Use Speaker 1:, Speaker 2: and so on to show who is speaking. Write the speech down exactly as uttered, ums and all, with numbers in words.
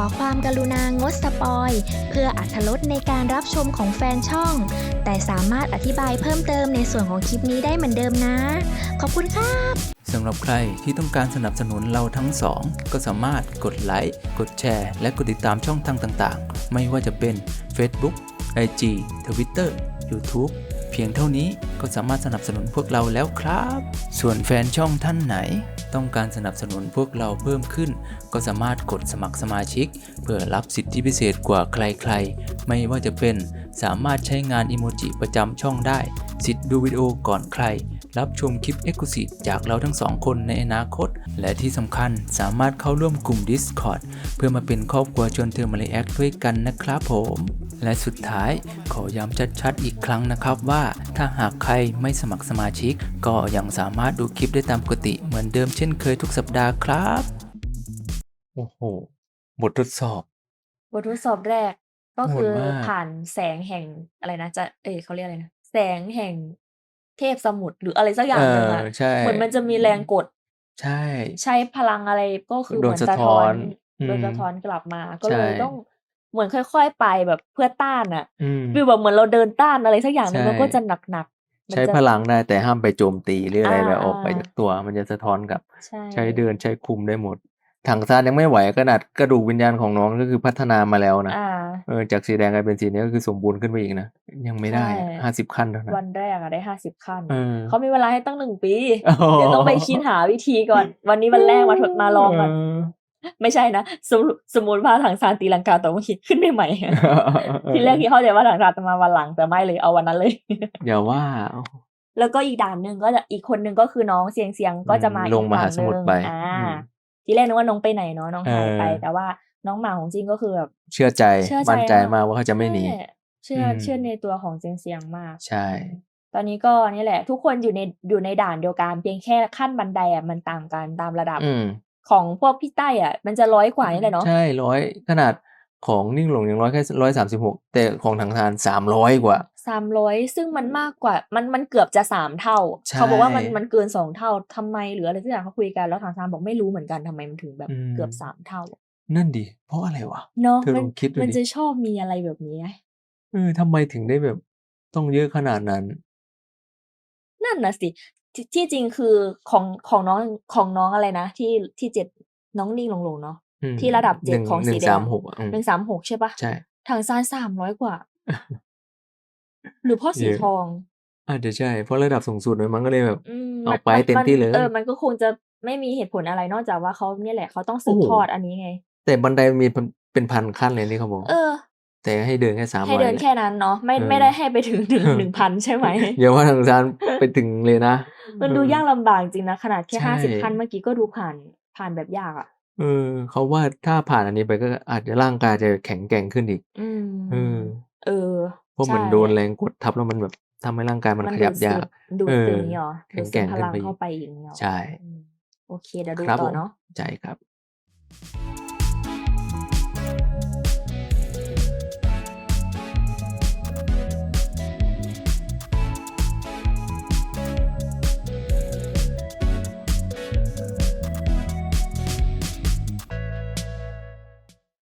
Speaker 1: ความกรุณางดสปอยเพื่ออรรถรสในการรับชมของแฟนช่อง แต่สามารถอธิบายเพิ่มเติมในส่วนของคลิปนี้ได้เหมือนเดิมนะ ขอบคุณครับ
Speaker 2: สำหรับใครที่ต้องการสนับสนุนเราทั้งสองก็สามารถกดไลค์กดแชร์และกดติดตามช่องทางต่างๆไม่ว่าจะเป็น Facebook ไอ จี Twitter YouTube เพียงเท่านี้ก็สามารถสนับสนุนพวกเราแล้วครับส่วนแฟนช่องท่านไหนต้องการสนับสนุนพวกเราเพิ่มขึ้นก็สามารถกดสมัครสมาชิกเพื่อรับสิทธิพิเศษกว่าใครๆไม่ว่าจะเป็นสามารถใช้งานอิโมจิประจำช่องได้สิทธิ์ดูวิดีโอก่อนใครรับชมคลิป Exclusive จากเราทั้งสองคนในอนาคตและที่สำคัญสามารถเข้าร่วมกลุ่ม Discord เพื่อมาเป็นครอบครัวชวนเธอมารีแอคด้วยกันนะครับผมและสุดท้ายขอย้ำชัดๆอีกครั้งนะครับว่าถ้าหากใครไม่สมัครสมาชิกก็ยังสามารถดูคลิปได้ตามปกติเหมือนเดิมเช่นเคยทุกสัปดาห์ครับโอ้โหบททดสอบบ
Speaker 3: ททดสอบแรกก็
Speaker 2: โห
Speaker 3: คือ
Speaker 2: ดมาก
Speaker 3: ผ่านแสงแห่งอะไรนะจะเอยเขาเรียกอะไรนะแสงแห่งเทพสมุทรหรืออะไรสักอ
Speaker 2: เอย่าง
Speaker 3: หนึ่ง
Speaker 2: อ
Speaker 3: อะ
Speaker 2: ใช่
Speaker 3: เหมือนมันจะมีแรงกด
Speaker 2: ใช่
Speaker 3: ใช้พลังอะไรก็คือ
Speaker 2: โดน
Speaker 3: เหมือน
Speaker 2: สะท้อ
Speaker 3: สะท้อน
Speaker 2: นอื
Speaker 3: โดน
Speaker 2: ม
Speaker 3: สะท้อนกลับมา ก็
Speaker 2: ใช่
Speaker 3: เลยต้องเหมือนค่อยๆไปแบบเพื่อต้านอะ
Speaker 2: อืม
Speaker 3: ฟีลแบบเหมือนเราเดินต้านอะไรสักอย่างหนึ่ง
Speaker 2: ใช่
Speaker 3: มันก็จะหนักๆมัน
Speaker 2: ใช้
Speaker 3: จะ
Speaker 2: พลังได้แต่ห้ามไปโจมตีหรือ
Speaker 3: อ่
Speaker 2: อะไรแบบออกไป
Speaker 3: า
Speaker 2: จากตัวมันจะสะท้อนกลับ
Speaker 3: ๆใช่
Speaker 2: ใช้เดินใช้คุมได้หมดถังซานยังไม่ไหวขนาดกระดูกวิญญาณของน้องก็คือพัฒนามาแล้วนะ
Speaker 3: อ่า
Speaker 2: เออจากสีแดงกลายเป็นสีนี้ก็คือสมบูรณ์ขึ้นไปอีกนะยังไม่
Speaker 3: ใช่
Speaker 2: ได้ห้าสิบขั้นเท่านั้น
Speaker 3: วันแรกอะได้ห้าสิบขั้น
Speaker 2: เออ
Speaker 3: เขามีเวลาให้ตั้งหนึ่งปี
Speaker 2: โอ้โห
Speaker 3: เดี๋ยวต้องไปคิดหาวิธีก่อน วันนี้วันแรกมาทดมาลองก่อน
Speaker 2: เออ
Speaker 3: ไม่ใช่นะสมมุสมมุติว่าถังซานตีลังกาแต่ว่าคิดขึ้นได้ไหม
Speaker 2: เออ
Speaker 3: ทีแรกคิดเข้าใจว่าถังซานจะมาวันหลังแต่ไม่เลยเอาวันนั้นเลย
Speaker 2: อย่าว่า
Speaker 3: แล้วก็อีกด่านหนึ่งก็จะอีกคนหนึ่งก็คือน้องเสียงเสียงก็จะมา
Speaker 2: ล
Speaker 3: อี
Speaker 2: ง
Speaker 3: ก
Speaker 2: ม
Speaker 3: ฝั่
Speaker 2: หาง ส
Speaker 3: ห
Speaker 2: มุ
Speaker 3: นึ่
Speaker 2: ท
Speaker 3: ง
Speaker 2: รไป
Speaker 3: อ่า
Speaker 2: อืม
Speaker 3: ทีแรกนึกว่าน้องไปไหนเนาะน้อง
Speaker 2: เอ
Speaker 3: หายไป
Speaker 2: อ
Speaker 3: แต่ว่าน้องหมาของจริงก็คือแบบ
Speaker 2: เชื่อใจ
Speaker 3: เชื่อใจ
Speaker 2: มั่นใจ
Speaker 3: มาก
Speaker 2: มากว่าเขาจะไม่หนี
Speaker 3: ใช่เชื่อ
Speaker 2: อืม
Speaker 3: เชื่อในตัวของเสียงเสียงมาก
Speaker 2: ใช่
Speaker 3: อืมตอนนี้ก็นี่แหละ ทุกคนอยู่ในอยู่ในด่านเดียวกันเพียงแค่ขั้นบันไดอ่ะมันต่างกันตามระดับ
Speaker 2: อืม
Speaker 3: ของพวกพี่ใต้อ่ะ มันจะร้อยกว่านี่แหละเนาะ
Speaker 2: ใช่ร้อยขนาดของนิ่งหลงยังร้อยแค่ร้อยสามสิบหกแต่ของถังซานสามร้อยกว่า
Speaker 3: สามร้อยซึ่งมันมากกว่ามันมันเกือบจะสามเท่า
Speaker 2: ใช่
Speaker 3: เขาบอกว่ามันมันเกินสองเท่าทำไมหรืออะไรสักอย่างเขาคุยกันแล้วทางซานบอกไม่รู้เหมือนกันทำไมมันถึงแบบ
Speaker 2: อืม
Speaker 3: เกือบสามเท่า
Speaker 2: นั่นดิเพราะอะไรวะ
Speaker 3: เนาะ
Speaker 2: เธอ
Speaker 3: มั
Speaker 2: ล
Speaker 3: น
Speaker 2: องคิดดู
Speaker 3: มัน
Speaker 2: ดิ
Speaker 3: จะชอบมีอะไรแบบนี้
Speaker 2: เออทำไมถึงได้แบบต้องเยอะขนาดนั้น
Speaker 3: นั่นน่ะสิที่ที่จริงคือของของน้องของน้องอะไรนะ ที่ที่เจ็ดน้องนิ่งหลงๆเนาะ
Speaker 2: อืม
Speaker 3: ที่ระดับ
Speaker 2: ห
Speaker 3: เจ็ด
Speaker 2: นึ่ง
Speaker 3: ของ
Speaker 2: หนึ่
Speaker 3: สี
Speaker 2: ง
Speaker 3: แด
Speaker 2: สาง มหกอะอืม
Speaker 3: หนึ่งสามหกใช่เปล่า
Speaker 2: ใช่
Speaker 3: ถังซานสามร้อยกว่า หรือเพราะสี
Speaker 2: เยอะ
Speaker 3: ทอง
Speaker 2: อาจจะใช่ เพราะระดับสูงสุดเลยมันก็เลยแบบ
Speaker 3: อืม
Speaker 2: เอา
Speaker 3: มัน
Speaker 2: ไป
Speaker 3: มัน
Speaker 2: เต็ม
Speaker 3: มัน
Speaker 2: ที่เลย
Speaker 3: เออมันก็คงจะไม่มีเหตุผลอะไรนอกจากว่าเขาเนี่ยแหละเขาต้องสื
Speaker 2: โอ้
Speaker 3: บ
Speaker 2: โฮ
Speaker 3: ทอดอันนี้ไง
Speaker 2: แต่บันไดมันมีเป็นเป็นพันขั้นเลยที่เขาบอก
Speaker 3: เออ
Speaker 2: แต่ให้เดินแค่
Speaker 3: ให้
Speaker 2: สามร้อย
Speaker 3: เดิน
Speaker 2: แหละ
Speaker 3: แค่นั้นเนาะไม่
Speaker 2: เออ
Speaker 3: ไม่ได้ให้ไปถึง หนึ่ง หนึ่งพัน ใช่ไหม
Speaker 2: อย่าว่าถังซานไปถึงเลยนะ
Speaker 3: มัน
Speaker 2: เอ
Speaker 3: ดู
Speaker 2: อ
Speaker 3: ยากลำบากจริงนะ ขนาดแค่
Speaker 2: ใช่
Speaker 3: ห้าสิบ ขั้นเมื่อกี้ก็ดูผ่านผ่านแบบยากอะ
Speaker 2: เออเขาว่าถ้าผ่านอันนี้ไปก็อาจจะร่างกายจะแข็งแกร่งขึ้นอีก
Speaker 3: อืม
Speaker 2: เออ
Speaker 3: เออ
Speaker 2: เพราะ
Speaker 3: ใช
Speaker 2: เหมือนโดน่แรงกดทับแล้วมันแบบทำให้ร่างกายมัน
Speaker 3: มัน
Speaker 2: ข
Speaker 3: ดู
Speaker 2: ยั
Speaker 3: ด
Speaker 2: บ
Speaker 3: ซึ
Speaker 2: ยา
Speaker 3: บ
Speaker 2: ก
Speaker 3: ดู
Speaker 2: เอ
Speaker 3: ดซึ
Speaker 2: อ
Speaker 3: มงี้เหรอ
Speaker 2: แข็
Speaker 3: ดู
Speaker 2: ง
Speaker 3: ด
Speaker 2: แก
Speaker 3: ซึ
Speaker 2: ร่
Speaker 3: ม
Speaker 2: ง
Speaker 3: พ
Speaker 2: ขึ้น
Speaker 3: ลัง
Speaker 2: ไปอี
Speaker 3: เข้าก ไปอย่างงี้เหรอ
Speaker 2: ใช่
Speaker 3: อืม โอเค เดี๋ยวดู
Speaker 2: ครับ
Speaker 3: ต่
Speaker 2: ผ
Speaker 3: อ
Speaker 2: ม
Speaker 3: เนาะ
Speaker 2: ใช่ครับ